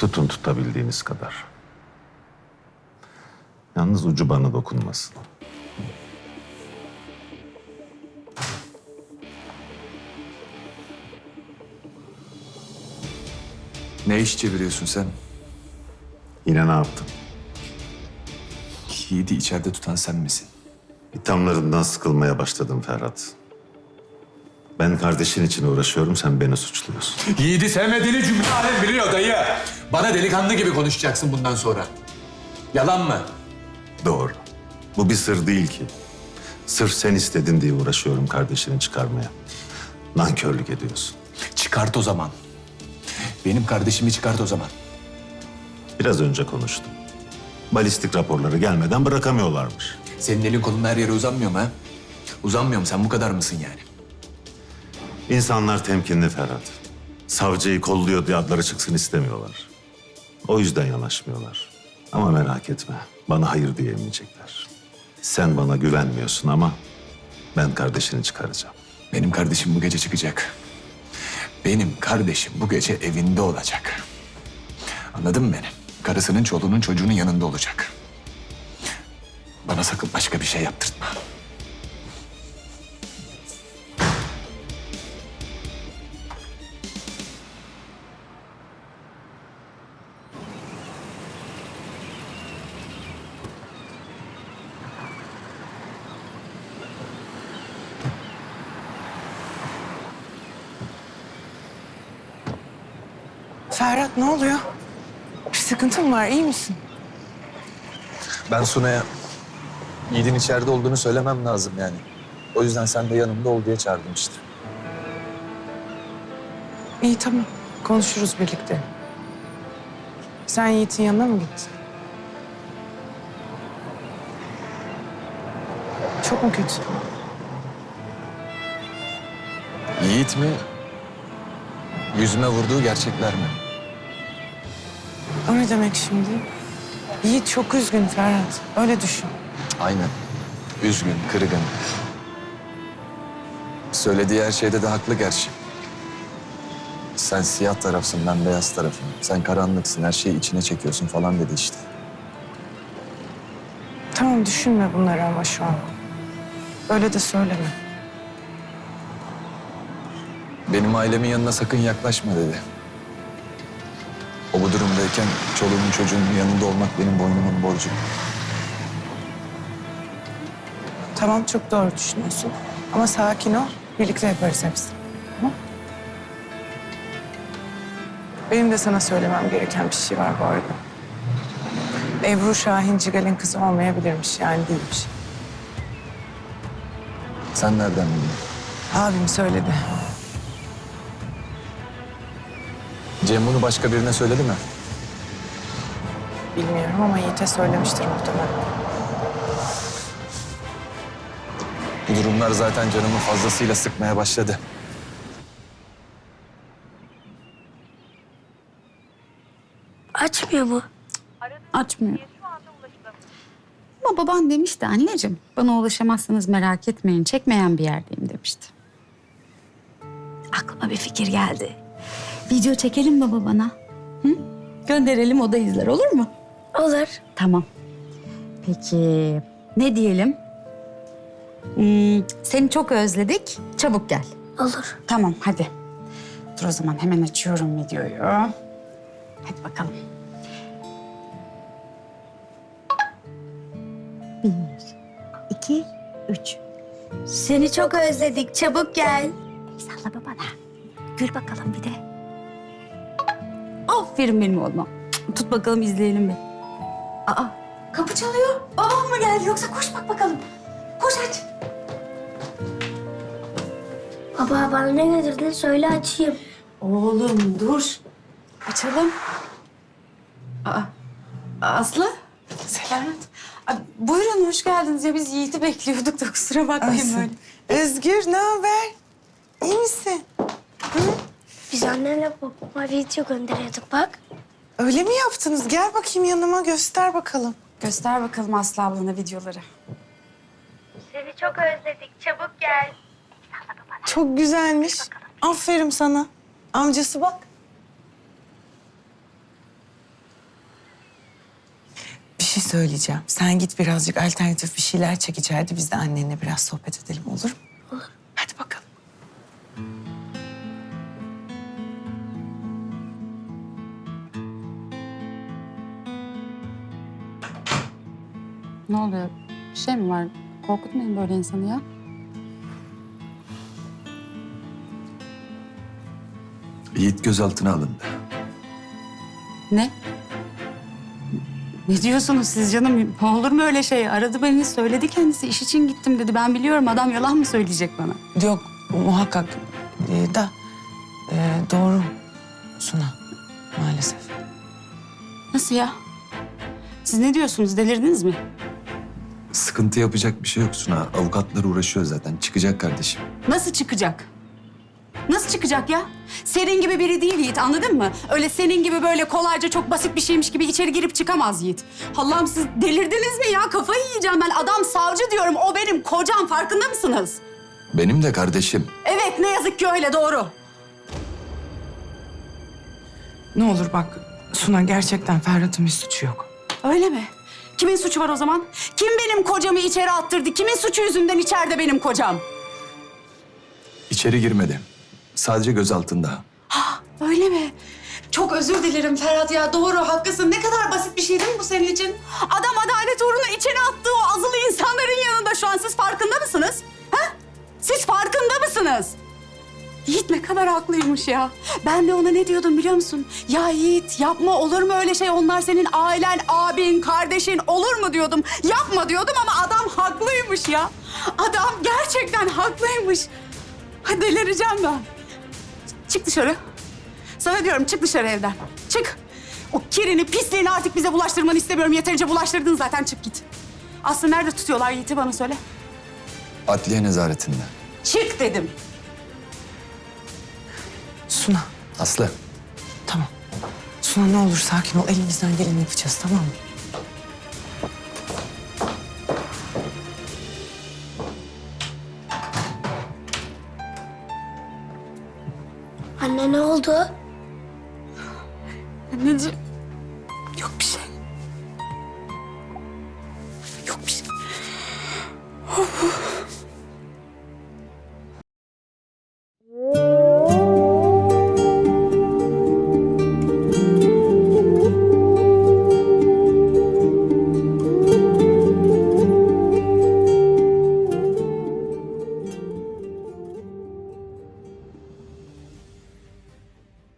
Tutun tutabildiğiniz kadar. Yalnız ucu bana dokunmasın. Ne iş çeviriyorsun sen? Yine ne yaptın? Yiğit'i içeride tutan sen misin? İthamlarından sıkılmaya başladım Ferhat. Ben kardeşin için uğraşıyorum, sen beni suçluyorsun. Yiğit'i sevmediğini cümle alem biliyor dayı. Bana delikanlı gibi konuşacaksın bundan sonra. Yalan mı? Doğru. Bu bir sır değil ki. Sırf sen istedin diye uğraşıyorum kardeşini çıkarmaya. Nankörlük ediyorsun. Çıkart o zaman. Benim kardeşimi çıkart o zaman. Biraz önce konuştum. Balistik raporları gelmeden bırakamıyorlarmış. Senin elin kolun her yere uzanmıyor mu ha? Uzanmıyor mu? Sen bu kadar mısın yani? İnsanlar temkinli Ferhat. Savcıyı kolluyor diye adları çıksın istemiyorlar. O yüzden yanaşmıyorlar. Ama merak etme, bana hayır diyemeyecekler. Sen bana güvenmiyorsun ama ben kardeşini çıkaracağım. Benim kardeşim bu gece çıkacak. Benim kardeşim bu gece evinde olacak. Anladın mı beni? Karısının, çoluğunun, çocuğunun yanında olacak. Bana sakın başka bir şey yaptırtma. Ferhat ne oluyor? Bir sıkıntın mı var? İyi misin? Ben Suna'ya Yiğit'in içeride olduğunu söylemem lazım yani. O yüzden sen de yanımda ol diye çağırdım işte. İyi tamam. Konuşuruz birlikte. Sen Yiğit'in yanına mı gittin? Çok mu kötü? Yiğit mi? Yüzüme vurduğu gerçekler mi? O ne demek şimdi? Yiğit çok üzgün Ferhat. Öyle düşün. Aynen. Üzgün, kırgın. Söylediği her şeyde de haklı gerçi. Sen siyah tarafsın, ben beyaz tarafım. Sen karanlıksın, her şeyi içine çekiyorsun falan dedi işte. Tamam düşünme bunları ama şu an. Öyle de söyleme. Benim ailemin yanına sakın yaklaşma dedi. O bu durumdayken çoluğumun çocuğunun yanında olmak benim boynumun borcu. Tamam çok doğru düşünüyorsun. Ama sakin ol. Birlikte yaparız hepsini. Tamam? Benim de sana söylemem gereken bir şey var bu arada. Ebru Şahin Cigal'in kızı olmayabilirmiş yani değilmiş. Sen nereden bildin? Abim söyledi. Cem bunu başka birine söyledi mi? Bilmiyorum ama Yiğit'e söylemiştir muhtemelen. Bu durumlar zaten canımı fazlasıyla sıkmaya başladı. Açmıyor bu. Açmıyor. Ama baban demişti anneciğim. Bana ulaşamazsanız merak etmeyin. Çekmeyen bir yerdeyim demişti. Aklıma bir fikir geldi. Video çekelim mi babana? Hı? Gönderelim o da izler olur mu? Olur. Tamam. Peki ne diyelim? Seni çok özledik. Çabuk gel. Olur. Tamam hadi. Dur o zaman hemen açıyorum videoyu. Hadi bakalım. 1, 2, 3. Seni çok özledik. Çabuk gel. Salla babana. Gül bakalım bir de. Aferin benim oğluma. Tut bakalım izleyelim bir. Aa kapı çalıyor. Babam mı geldi yoksa koş bak bakalım. Koş aç. Baba bana ne getirdin söyle açayım. Oğlum dur. Açalım. Aa, Aslı. Selam. Aa, buyurun hoş geldiniz. Ya biz Yiğit'i bekliyorduk da kusura bakmayın böyle. Özgür ne haber? İyi misin? Biz annenle babama video gönderiyorduk bak. Öyle mi yaptınız? Gel bakayım yanıma göster bakalım. Göster bakalım Aslı ablana videoları. Seni çok özledik. Çabuk gel. Çok güzelmiş. Aferin sana. Amcası bak. söyleyeceğim. Sen git birazcık alternatif bir şeyler çek içeride. Biz de annenle biraz sohbet edelim, olur mu? Olur. Hadi bakalım. Ne oluyor? Bir şey mi var? Korkutmayın böyle insanı ya. Yiğit gözaltına alındı. Ne? Ne diyorsunuz siz canım? Olur mu öyle şey? Aradı beni, söyledi kendisi. İş için gittim dedi. Ben biliyorum, adam yalan mı söyleyecek bana? Yok, muhakkak doğru Suna, maalesef. Nasıl ya? Siz ne diyorsunuz? Delirdiniz mi? Sıkıntı yapacak bir şey yok Suna. Avukatlar uğraşıyor zaten. Çıkacak kardeşim. Nasıl çıkacak? Nasıl çıkacak ya? Senin gibi biri değil Yiğit, anladın mı? Öyle senin gibi böyle kolayca çok basit bir şeymiş gibi içeri girip çıkamaz Yiğit. Allah'ım siz delirdiniz mi ya? Kafayı yiyeceğim ben. Adam savcı diyorum. O benim kocam, farkında mısınız? Benim de kardeşim. Evet, ne yazık ki öyle, doğru. Ne olur bak Suna, gerçekten Ferhat'ın bir suçu yok. Öyle mi? Kimin suçu var o zaman? Kim benim kocamı içeri attırdı? Kimin suçu yüzünden içeride benim kocam? İçeri girmedi. Sadece gözaltında. Öyle mi? Çok özür dilerim Ferhat ya. Doğru, haklısın. Ne kadar basit bir şey değil mi bu senin için? Adam adalet uğruna içeri attığı o azılı insanların yanında şu an. Siz farkında mısınız? Ha? Siz farkında mısınız? Yiğit ne kadar haklıymış ya. Ben de ona ne diyordum biliyor musun? Ya Yiğit yapma, olur mu öyle şey? Onlar senin ailen, abin, kardeşin, olur mu diyordum. Yapma diyordum ama adam haklıymış ya. Adam gerçekten haklıymış. Ha, delireceğim ben. Çık dışarı. Sana diyorum, çık dışarı evden. Çık. O kirini, pisliğini artık bize bulaştırmanı istemiyorum. Yeterince bulaştırdın zaten, çık git. Aslı nerede tutuyorlar Yiğit'i, bana söyle. Adliye nezaretinde. Çık dedim. Suna, Aslı. tamam. Suna ne olur sakin ol. Elimizden geleni yapacağız, tamam mı? Anne ne oldu? Anneciğim. Yok bir şey.